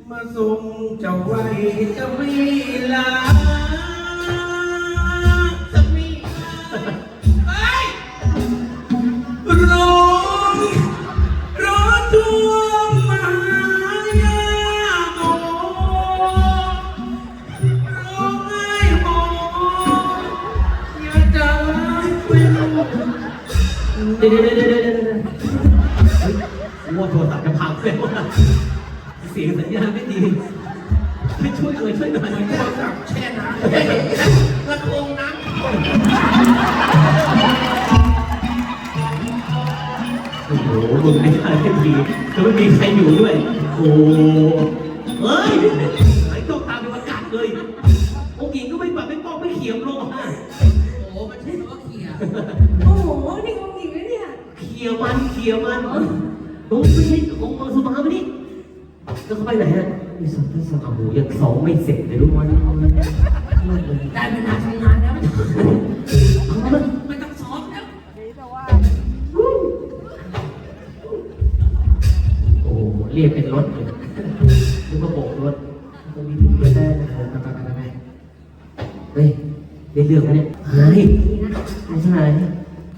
มาส่งเจ้าไว้จะไม่ลาจะไม่ลาเฮ้ยร้องร้องทวงมายาโมร้องไห้โมอย่าใจเป็นเดี๋ยวว่าโทรศัพท์จะพังแล้วเสียงสัญญาณไม่ดีไม่ช่วยเลยช่วยหน่อยโทรศัพท์แช่น้ำกระทงน้ำโอ้โหมึงไม่ได้ไม่ดีจะไม่มีใครอยู่ด้วยโอ้เฮ้ยไอ้ต้องตามไปประกาศเลยองค์หญิงก็ไม่แบบไม่ป้องไม่เขียมลงอ่ะโอ้มันใช่คำว่าเขี่ยโอ้โห นี่องค์หญิงนะเนี่ยเขียมันโอ้ไม่ใช่องค์มังสมาไม่นี่แล้วเขาไปไหนฮะมีสองที่สองโอ้โหยังสองไม่เสร็จเลยทุกวันได้เวลาทำงานแล้วไม่ต้องซ้อมแล้วโอ้เรียกเป็นรถเลยนึกว่าโบกรถตรงนี้ถึงจะได้ไปเฮ้ยได้เรื่องแล้วเนี่ยหายไม่ใช่อะไรเนี่ย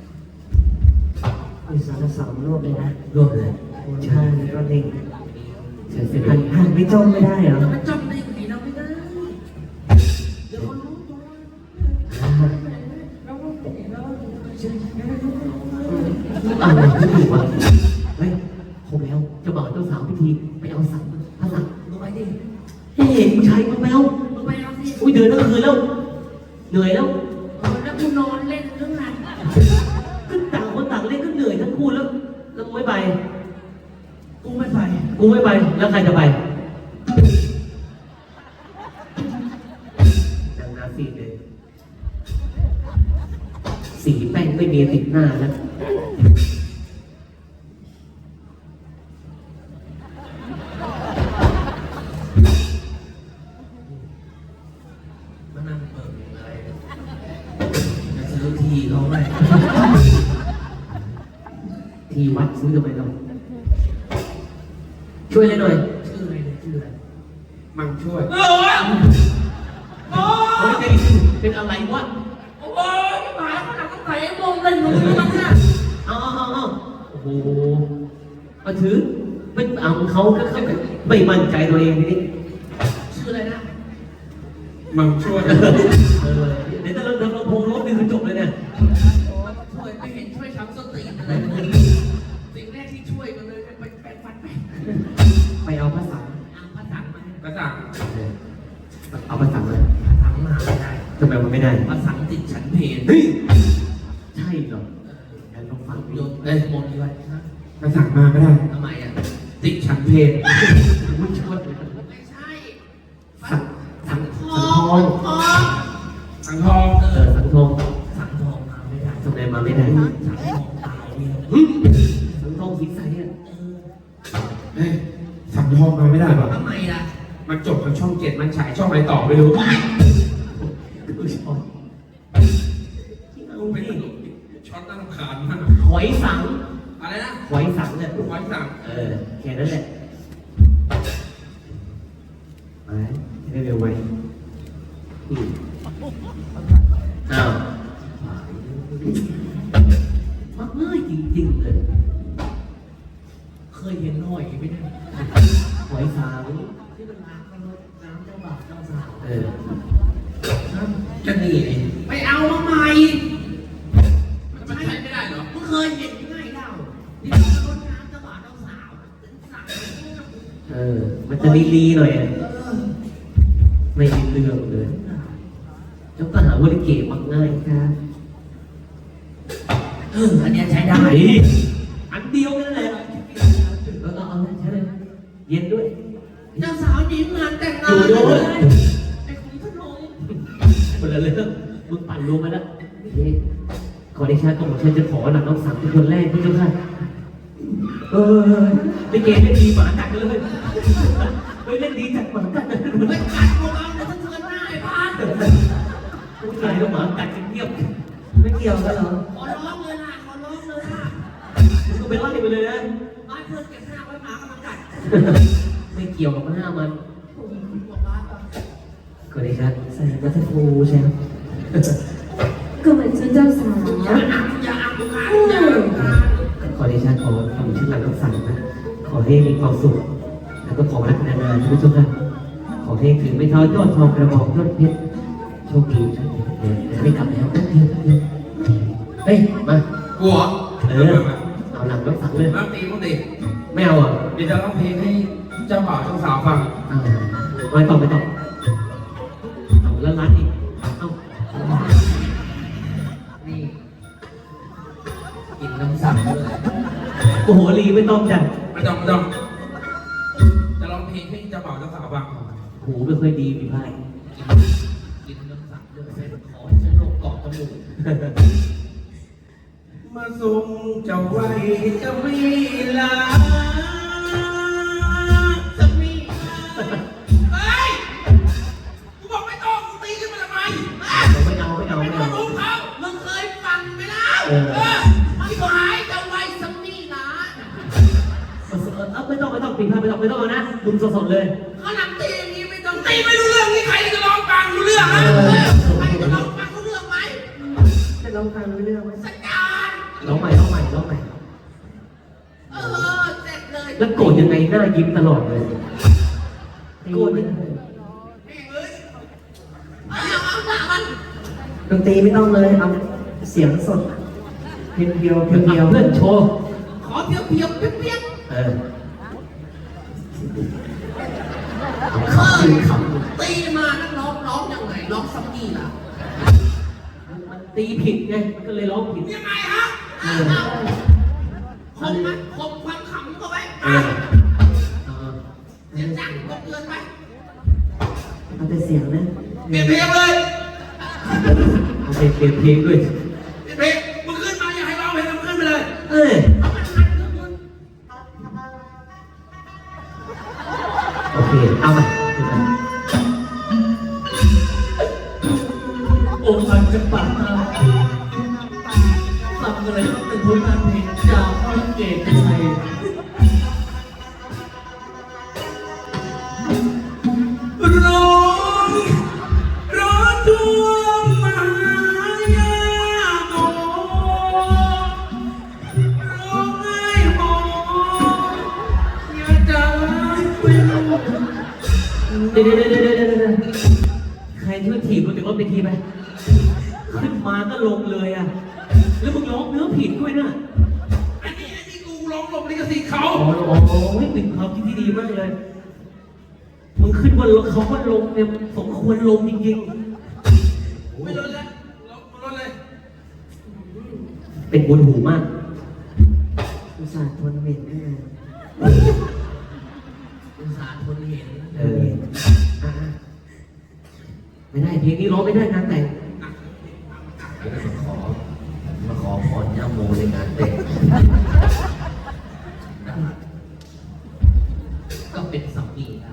มีสารสามรวบเลยนะรวบเลยใช่แล้วก็เด้งหันไม่จ้องไม่ได้เหรอมันจ้องได้ยังไงเราไม่ได้เดี๋ยวคนรู้ตัวอะไรที่ถูกวะเฮ้ยคงแล้วเจ้าบ่าวเจ้าสาวพิธีไปเอาสังพระสังมึงไปดิเฮ้ยผู้ชายมึงไปเอามึงไปเอาสิอุ้ยเดินทั้งคืนแล้วเหนื่อยแล้วแล้วกูนอนเล่นเรื่องนั้นก็ต่างคนต่างเล่นก็เหนื่อยทั้งคู่แล้วมึงไม่ไปกูไม่ไปกูไม่ไปแล้วใครจะไปดังนาซีเลยสีแป้งไม่มีติดหน้าแล้วมานั่งเปิดอะไรจะซื้อทีเขาไหมที่วัดซื้อทำไมเราช่วยเลยหน่อยชื่ออะไรเนี่ยชื่ออะไรมังช่วยโอ้ยโอ้เฮ้ยยเป็นอะไรวะโอ้ยหมาขนาดต้องใส่โมงเลยมึงรู้มั้งเนี่ยเอาโอ้โหมาถือเป็นเอาเขาก็เขาไม่มั่นใจตัวเองทีนี้ชื่ออะไรนะมังช่วยเเดี๋ยวถ้าเราลำโพงรถนี่คือจบเลยเนี่ยช่วยไม่เห็นช่วยทำสติอะไรเลยสิ่งแรกที่ช่วยกันเลยไปแปรงฟันไปไปเอาภาษาเอาผ้าถังมากระสังเอาภาษามาผ้าถังมาไม่ได้ทำไมมันไม่ได้ผ้าถังติดฉันเพลเฮ้ยใช่เหรองั้นลองฟังโยดูมเอ้ยมนต์ด้วยนะกระสังมาไม่ได้ทำไมอ่ะติดฉันเพลไม่ช่วยไม่ใช่สังททอองงทองสังทองสังทองสังทองมาไม่ได้ทำไมมาไม่ได้สังทองตายเนี่ยสังทองสีใสอ่ะเฮ้ยสังทองมาไม่ได้ป่ะทำไมล่ะมันจบทางช่อง 7มันฉายช่องอะไรต่อไม่รู้คือชอบเอาไม่ดิสนุกช็อตน่ารำคาญมากหอยสังอะไรนะหอยสังเนี่ยหอยสังแค่นั้นแหละไปให้เร็วไว้อ้าวมักง่ายจริงๆเลยเคยเห็นหอยไหมเนี่ยหอยสังที่มันล้างกันรถน้ำเจ้าบ่าวเจ้าสาวจะหนีไงไปเอามาใหม่มันใช้ไม่ได้เหรอมึงเคยเห็นยังไงเล่าที่มันรถน้ำเจ้าบ่าวเจ้าสาวสั่งมันจะลีหน่อยอะไม่มีเรื่องเลยแล้วก็หาว่าลิเกมักง่ายครับอันเนี้ยใช้ได้อันเดียวนั่นแหละเอาใช้เลยเย็นด้วยเจ้าสาวหญิงงานแต่งงานอยู่ด้วยไอ้ขุนพนมคนละเรื่องมึงปั่นรวมมาแล้วขอเดชะของฉันจะขอหนักน้องสาวเป็นคนแรกพี่เจ้าค่ะลิเกเล่นดีหมากัดเลยเล่นดีจัดหมากัดเลยไม่กัดของเราเนี่ยถ้าเธอหน้าไอ้พานผู้ชายแล้วหมากัดกันเงียบไม่เกี่ยวกันเหรอขอร้องเลยล่ะขอร้องเลยล่ะก็ไปไล่ไปเลยนะบ้านเพื่อนเก็บหน้าไว้หมากำลังกัดไม่ไม่เกี่ยวกับหน้ามันก็ได้ครับใส่วัตถุใช่ไหมก็เหมือนชุดเจ้าสาวขอเดชะขอทำชื่อหลังรักษานะขอให้มีความสุขแล้วก็ขอรักนานๆทุกท่านขอให้ถึงไม่เท่ายอดทองกระบอกยอดเพชรโชคดีนะเดี๋ยวไม่กลับแล้วเฮ้ยมากูเหรอเอาหลังรักษาเลยน้ำตีมึงตีไม่เอาอ่ะเดี๋ยวจะร้องเพลงให้เจ้าบ่าวเจ้าสาวฟังไม่ต้องเอาแล้วรัดอีกเอ้านี่กินน้ำสั่งด้วยโอ้โหลีไม่ต้องจัดไม่ต้องจะร้องเพลงให้เจ้าบ่าวเจ้าสาวฟังหูไม่ค่อยดีมีไพ่กินน้ำสั่งด้วยเส้นขอให้ฉันโรคเกาะจมูกมาส่งเจ้าไว้จะมีลาจะมีเฮ้ยกูบอกไม่ต้องกูตีขึ้นมาทำไมไม่เอาไม่ต้องรู้เขามึงเคยฟังไหมล่ะที่หายจะไว้สักนี่นะไม่ต้องปีพายไม่ต้องเอานะมึงสดๆเลยเขาหลังตีอย่างนี้ไม่ต้องตีไม่รู้เรื่องนี่ใครจะร้องฟังรู้เรื่องฮะใครจะร้องฟังรู้เรื่องไหมจะลองฟังรู้เรื่องไหมสัญญาณร้องใหม่เสร็จเลยแล้วโกรธยังไงหน้ายิ้มตลอดเลยโกรธยังไงแม่งเลยเอาหน้ามันดนตรีไม่ต้องเลยเอาเสียงสดเพียวๆเพื่อนโชว์ขอเพียวเพียวเปียกขำจริงขตีมานักร้องยังไงร้องซัมมี่ล่ะำมันตีผิดไงก็เลยร้องผิดยังไงฮะคมไหมคมความขำเข้าไว้เสียงดังก็เกินไปเอาแต่เสียงนะเปลี่ยนเพลงเลยเอาเพลงเพลงด้วยเปลี่ยนเพลงมึงขึ้นมาอย่าให้ร้องเพลงมึงขึ้นไปเลยเอ้ยเอามันหันขึ้นมึงโอเคเอาไปองค์อันจะปากน้ำทำอะไรก็เป็นผลงานเพลงจากพระเกศไทยร้องดวงมหายาโมร้องไห้โหอย่าใจไม่รู้เดี๋ยวใครช่วยถีบรถจากรถไปทีไปขึ้นมาก็ลงเลยอ่ะแล้วมึงร้องเนื้อผิดด้วยนะอันนี้กูร้องหลบลิขสิทธิ์เขาอ๋อเป็นความคิดที่ดีมากเลยมึงขึ้นว่าเขาว่าลงเนี่ยสมควรลงจริงไม่ลดแล้วลดเลยๆเป็นบุญหูมากอุตส่าห์ทนเหม็นขนาดอุตส่าห์ทนเห็นอ่ะไม่ได้เพลงนี้ร้องไม่ได้งานแต่งมาขอพรย่าโมในงานแต่งก็เป็นสามีนะ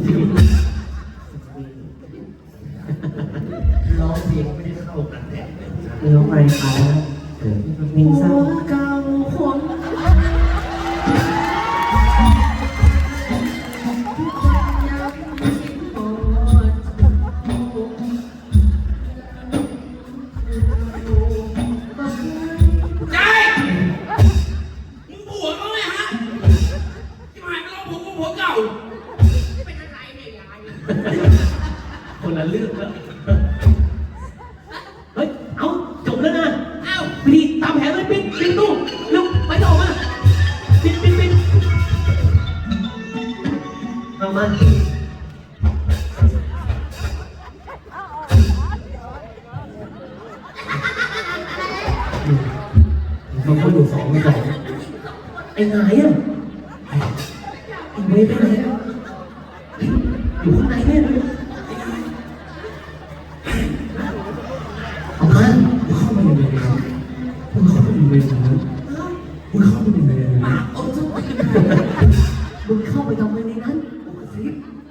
ร้องเพลงไม่ได้เข้ากันแต่งเลยร้องไปเขามิงซ่าเก่าคน ใจมึงผัวเขาไหมฮะที่หายไปร้องผัวเก่าเป็นอะไรเนี่ยยายคนละเรื่องแล้วเฮ้ยเอาจบแล้วนะเอ้ารีบตามแผนเลยปิดตู้เร็วไปต่อมาปิดเอามาเขาก็อยู่สองไอ้ไหนอ่ะไอ้เวฟไปไหนอ่ะอยู่ข้างในเนี่ยเอามาเข้ามาอยู่ในนี้มึงเข้ามาอยู่ในนี้มึงเข้ามาอยู่ในนี้ปากเอาจุ๊บมึงเข้าไปทำไมในนั้นกูกระซิบ